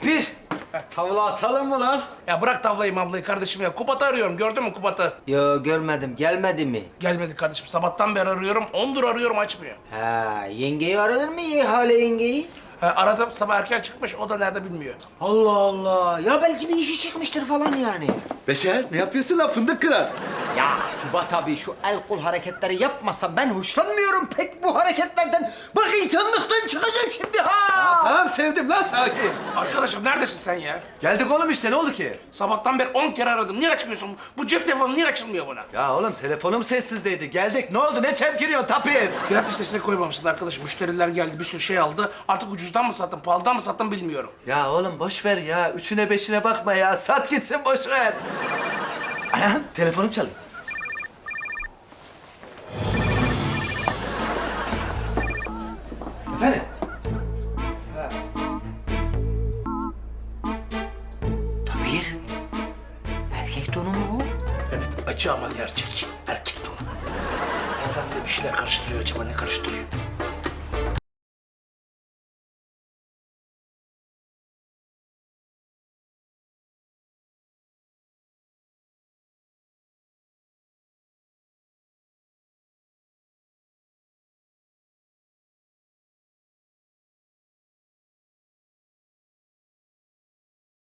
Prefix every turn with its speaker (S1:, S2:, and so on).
S1: Bir tavla atalım mı lan?
S2: Ya bırak tavlayı mavlayı kardeşim ya. Kubat'ı arıyorum. Gördün mü Kubat'ı?
S1: Yo görmedim. Gelmedi mi?
S2: Gelmedi kardeşim. Sabahtan beri arıyorum. 10'dur arıyorum açmıyor.
S1: Ha, yengeyi aradın mı ihale yengeyi?
S2: Aradım sabah erken çıkmış. O da nerede bilmiyor.
S1: Allah Allah. Ya belki bir işi çıkmıştır falan yani.
S3: Beşer ne yapıyorsun lan fındık kırar?
S1: Ya Kubat abi şu el kol hareketleri yapmasam ben hoşlanmıyorum pek bu hareketlerden. Bak insanlıktan çıkacağım şimdi ha.
S3: Tamam sevdim lan sakin.
S2: Arkadaşım neredesin sen ya?
S3: Geldik oğlum işte ne oldu ki?
S2: Sabahtan beri 10 kere aradım. Niye açmıyorsun? Bu cep telefonu niye açılmıyor bana?
S3: Ya oğlum telefonum sessizdeydi. Geldik ne oldu ne çemkiriyorsun tapir?
S2: Fiyat listesine koymamışsın arkadaşım. Müşteriler geldi, bir sürü şey aldı. Artık ucuzdan mı sattın, pahalıdan mı sattın bilmiyorum.
S3: Ya oğlum boş ver ya. Üçüne beşine bakma ya. Sat gitsin boş ver. Anam telefonum çalıyor. Efendim?
S1: Tabir. Erkek tonu mu bu?
S2: Evet, acı ama gerçek. Erkek tonu. Adam da bir şeyler karıştırıyor acaba, ne karıştırıyor?